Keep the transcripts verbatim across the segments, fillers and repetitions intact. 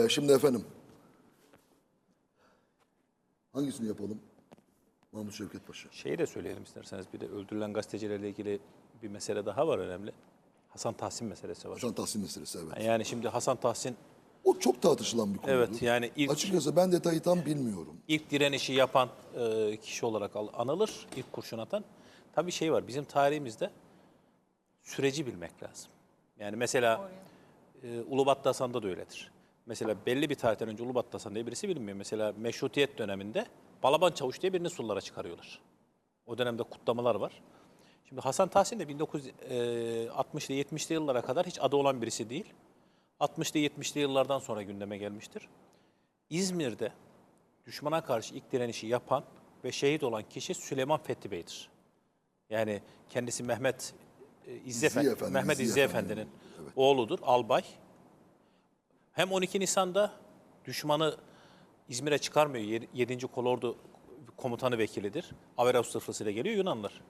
şimdi efendim, hangisini yapalım? Mahmut Şevket Paşa. Şeyi de söyleyelim isterseniz. Bir de öldürülen gazetecilerle ilgili bir mesele daha var önemli. Hasan Tahsin meselesi var. Hasan Tahsin meselesi, evet. Yani şimdi Hasan Tahsin, O çok tartışılan bir konudur. evet, yani ilk Açıkçası ben detayı tam bilmiyorum. ilk direnişi yapan e, kişi olarak al- anılır. İlk kurşun atan. Tabii şey var. Bizim tarihimizde süreci bilmek lazım. Yani mesela e, Ulubatlı Hasan'da da öyledir. Mesela belli bir tarihten önce Ulubatlı Hasan diye birisi bilinmiyor. Mesela Meşrutiyet döneminde Balaban Çavuş diye birini sullara çıkarıyorlar. O dönemde kutlamalar var. Şimdi Hasan Tahsin de bin dokuz yüz altmışlı yetmişli yıllara kadar hiç adı olan birisi değil. altmışlı yetmişli yıllardan sonra gündeme gelmiştir. İzmir'de düşmana karşı ilk direnişi yapan ve şehit olan kişi Süleyman Fethi Bey'dir. Yani kendisi Mehmet e, İzzi İzzi Efendi, Efendi, Mehmet İzzi İzzi Efendi. Efendi'nin Evet. oğludur, albay. Hem on iki Nisan'da düşmanı İzmir'e çıkarmıyor. yedinci Kolordu komutanı vekilidir. Averavus sırfasıyla geliyor Yunanlılar.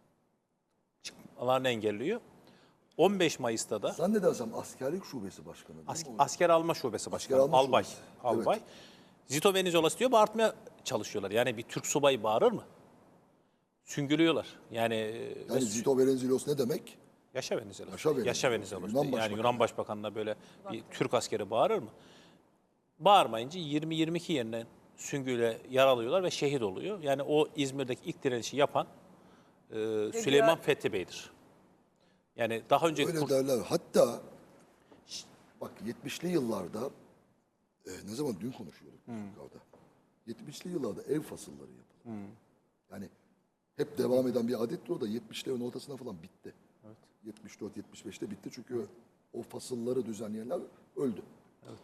Çıkmalarını engelliyor. on beş Mayıs'ta da Zannedersem askerlik şubesi başkanı değil As- mi o? asker alma şubesi başkanı, alma albay. şubesi, albay. evet. Zito Venizelos diyor, bağırtmaya çalışıyorlar. Yani bir Türk subayı bağırır mı? Süngülüyorlar. Yani, Yani Zito Venizelos ne demek? Yaşa Venizelos. Yaşa Venizelos. Yaşa Venizelos. Yunan Yani Başbakanı. Yunan Başbakanı'na böyle bir Türk askeri bağırır mı? Bağırmayınca yirmi yirmi iki yerine süngüyle yaralıyorlar ve şehit oluyor. Yani o İzmir'deki ilk direnişi yapan e, Süleyman Fethi Bey'dir. Yani daha önce Öyle kur- derler. Hatta bak yetmişli yıllarda e, ne zaman dün konuşuyorduk biz yukarıda. yetmişli yıllarda ev fasılları yapıldı. Yani hep devam eden bir adettir o da yetmişlerin ortasına falan bitti. Evet. yetmiş dört yetmiş beşte bitti çünkü o fasılları düzenleyenler öldü. Evet.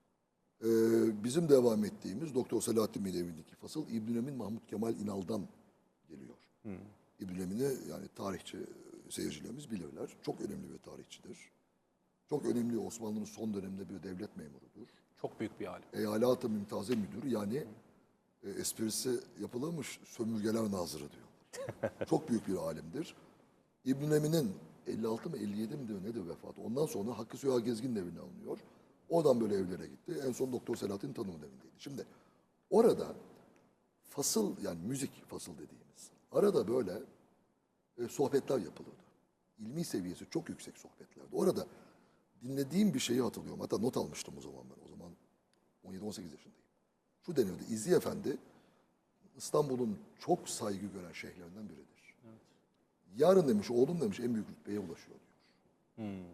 Ee, bizim devam ettiğimiz Doktor Selahattin Bey'in evindeki fasıl İbn Emin Mahmut Kemal İnal'dan geliyor. Hmm. İbn Emin'i yani tarihçi seyircilerimiz bilirler. Çok önemli bir tarihçidir. Çok önemli Osmanlı'nın son döneminde bir devlet memurudur. Çok büyük bir alim. Eyalat-ı Mümtaze Müdürü yani e, esprisi yapılmış sömürgeler nazırı diyorlar. Çok büyük bir alimdir. İbn Emin'in elli altı mı elli yedi mi diyor nedir vefatı. Ondan sonra Hakkı Süha Gezgin evine alınıyor. Oradan böyle evlere gitti. En son Doktor Selahattin Tanım'ın evindeydi. Şimdi orada fasıl yani müzik fasıl dediğimiz arada böyle e, sohbetler yapılırdı. İlmi seviyesi çok yüksek sohbetlerdi. Orada dinlediğim bir şeyi hatırlıyorum. Hatta not almıştım o zaman ben. O zaman on yedi on sekiz yaşındayım. Şu deniyordu. İzzi Efendi İstanbul'un çok saygı gören şeyhlerinden biridir. Evet. Yarın demiş, oğlum demiş en büyük rütbeye ulaşıyor diyor. Hmm.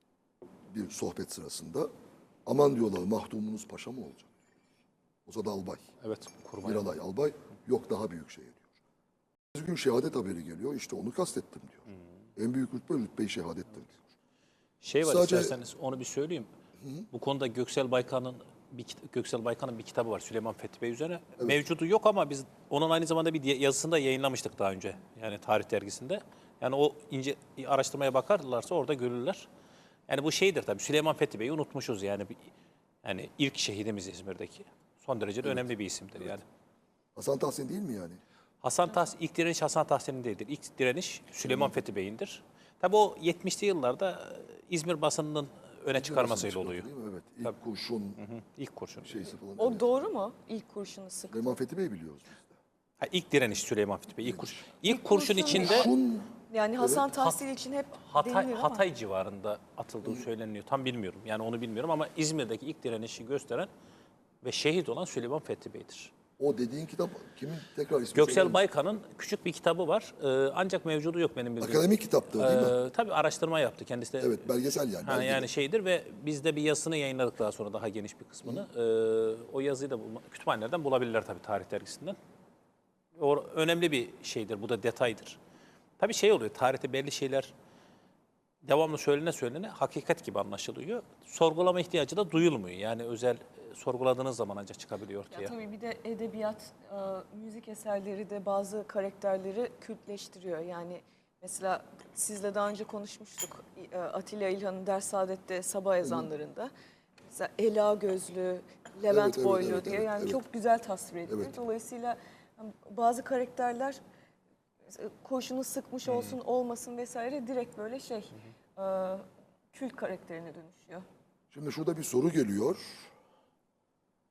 Bir sohbet sırasında aman diyorlar mahdumunuz paşa mı olacak? O zaman albay. Evet. Kurban. Miralay albay. Yok daha büyük şey diyor. Bir gün şehadet haberi geliyor. İşte onu kastettim diyor. Hmm. En büyük rütbe rütbe-i şehadettir diyor. Şey var Sadece, isterseniz onu bir söyleyeyim. Hı? Bu konuda Göksel Baykan'ın bir Göksel Baykan'ın bir kitabı var Süleyman Fethi Bey üzerine. Evet. Mevcudu yok ama biz onun aynı zamanda bir yazısını da yayınlamıştık daha önce. Yani tarih dergisinde. Yani o ince araştırmaya bakarlarsa orada görürler. Yani bu şeydir tabii Süleyman Fethi Bey'i unutmuşuz yani. Yani ilk şehidimiz İzmir'deki. Son derece de evet. önemli bir isimdir evet. yani. Hasan Tahsin değil mi yani? Hasan Tahsin, ilk direniş Hasan Tahsin'in değildir. İlk direniş Süleyman Fethi Bey'indir. Tabii o yetmişli yıllarda İzmir basınının öne çıkarmasıyla oluyor. Değil mi? Evet. İlk Tabii. kurşun. Hı hı. İlk kurşun. Şeysi falan. O evet. doğru mu? İlk kurşunu sıktı. Süleyman Fethi Bey biliyoruz biz de. Ha, ilk direniş Süleyman Fethi Bey. İlk kurşun. İlk, İlk kurşun, kurşun içinde Kurşun, yani Hasan evet. Tahsin için hep Hatay, denilir ama. Hatay civarında atıldığı söyleniyor. Tam bilmiyorum. Yani onu bilmiyorum ama İzmir'deki ilk direnişi gösteren ve şehit olan Süleyman Fethi Bey'dir. O dediğin kitap kimin tekrar ismi? Göksel Baykan'ın küçük bir kitabı var. Ee, ancak mevcudu yok benim bildiğim. Akademik kitaptır değil mi? Ee, tabii araştırma yaptı kendisi de. Evet, belgesel yani. Ha, belgesel. yani şeydir ve biz de bir yazısını yayınladık daha sonra daha geniş bir kısmını. Ee, o yazıyı da bulma, kütüphanelerden bulabilirler tabii tarih dergisinden. O önemli bir şeydir, bu da detaydır. Tabii şey oluyor, tarihte belli şeyler devamlı söylene söylene hakikat gibi anlaşılıyor. Sorgulama ihtiyacı da duyulmuyor. Yani özel sorguladığınız zaman ancak çıkabiliyor ortaya. Ya tabii bir de edebiyat, e, müzik eserleri de bazı karakterleri kültleştiriyor. Yani mesela sizle daha önce konuşmuştuk. E, Atilla İlhan'ın Ders Saadet'te sabah ezanlarında. Mesela Ela gözlü, Levent evet, boylu evet, diye evet, yani evet. çok güzel tasvir edilir. Evet. Dolayısıyla bazı karakterler kurşunu sıkmış Hmm. olsun olmasın vesaire direkt böyle şey e, kült karakterine dönüşüyor. Şimdi şurada bir soru geliyor.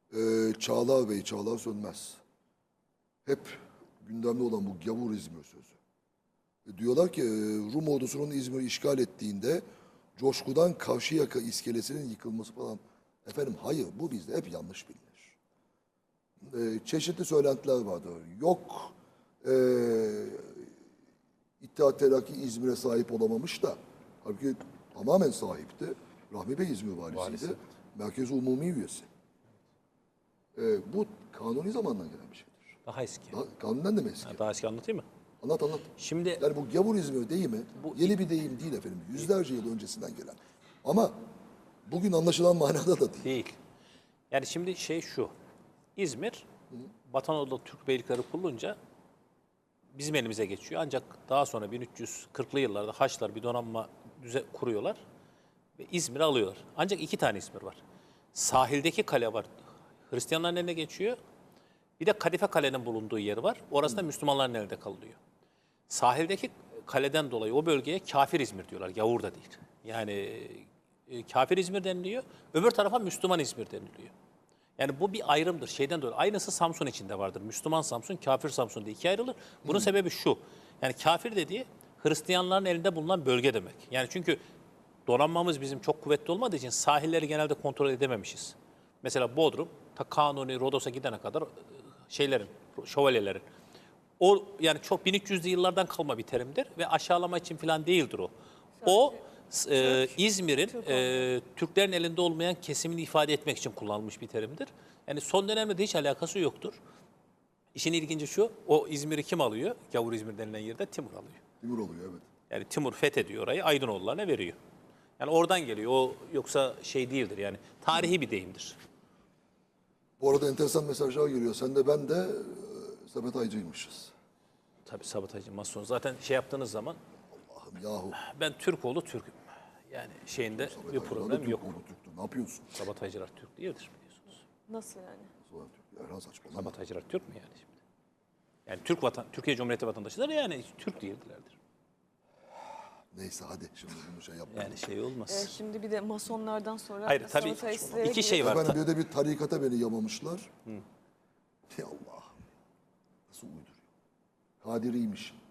Ee, Çağlar Bey, Çağlar Sönmez. Hep gündemde olan bu gavur İzmir sözü. E, diyorlar ki e, Rum ordusunun İzmir'i işgal ettiğinde coşkudan Karşıyaka iskelesinin yıkılması falan. Efendim hayır, bu bizde hep yanlış bilinir. E, çeşitli söylentiler vardır. Yok e, İttihat Terakki İzmir'e sahip olamamış da halbuki tamamen sahipti. Rahmi Bey İzmir valisiydi. Valisi. Merkez Umumi üyesi. E, bu kanuni zamandan gelen bir şeydir. Daha eski. Daha, kanunden de mi eski? Ha, daha eski anlatayım mı? Anlat anlat. Şimdi Yani bu gavur İzmir deyimi Bu- yeni bir deyim değil efendim. Yüzlerce yıl öncesinden gelen. Ama bugün anlaşılan manada da değil. değil. Yani şimdi şey şu. İzmir, Batı Anadolu'da Türk beylikleri kurulunca bizim elimize geçiyor. Ancak daha sonra bin üç yüz kırklı yıllarda Haçlılar bir donanma düze kuruyorlar ve İzmir'i alıyorlar. Ancak iki tane İzmir var. Sahildeki kale var. Hristiyanların eline geçiyor. Bir de Kadife Kale'nin bulunduğu yer var. Orası da Müslümanların elinde kalıyor. Sahildeki kaleden dolayı o bölgeye kafir İzmir diyorlar. Yavur da değil. Yani e, kafir İzmir deniliyor. Öbür tarafa Müslüman İzmir deniliyor. Yani bu bir ayrımdır. Şeyden dolayı. Aynısı Samsun içinde vardır. Müslüman Samsun, kafir Samsun diye ikiye ayrılır. Bunun sebebi şu. Yani kafir dediği Hristiyanların elinde bulunan bölge demek. Yani çünkü donanmamız bizim çok kuvvetli olmadığı için sahilleri genelde kontrol edememişiz. Mesela Bodrum, ta Kanuni, Rodos'a gidene kadar e, şeylerin, şövalyelerin. O yani çok bin üç yüzlü yıllardan kalma bir terimdir ve aşağılama için falan değildir o. O e, İzmir'in e, Türklerin elinde olmayan kesimini ifade etmek için kullanılmış bir terimdir. Yani son dönemde de hiç alakası yoktur. İşin ilginci şu, o İzmir'i kim alıyor? Gavur İzmir denilen yerde Timur alıyor. Timur oluyor evet. Yani Timur fethediyor orayı, Aydınoğullarına veriyor. Yani oradan geliyor. O yoksa şey değildir yani. Tarihi bir deyimdir. Bu arada enteresan mesajlar geliyor. Sen de ben de e, Samet Aycı'ymışız. Tabii sabotajı, mason. Zaten şey yaptığınız zaman Allah'ım yahu. ben Türkoğlu Türk'üm. Yani şeyinde Samet bir Aycı da problem Türk yok. oğlu Türk'tü. Ne yapıyorsun? Sabotajcılar Türk değildir biliyorsunuz. Nasıl yani? Sonra Türk. Erhan saçmalama. Sabotajcılar Türk mü yani şimdi? Yani Türk vatan, Türkiye Cumhuriyeti vatandaşıdır yani Türk değildilerdir. Neyse hadi şimdi bunu şey yapmayalım. Yani şey olmaz. Ee, şimdi bir de masonlardan sonra Hayır tabii sabotajistlere iki şey var. Efendim Ta- bir de bir tarikata beni yamamışlar. Ya Allah. Nasıl uyduruyor? Kadiriymiş.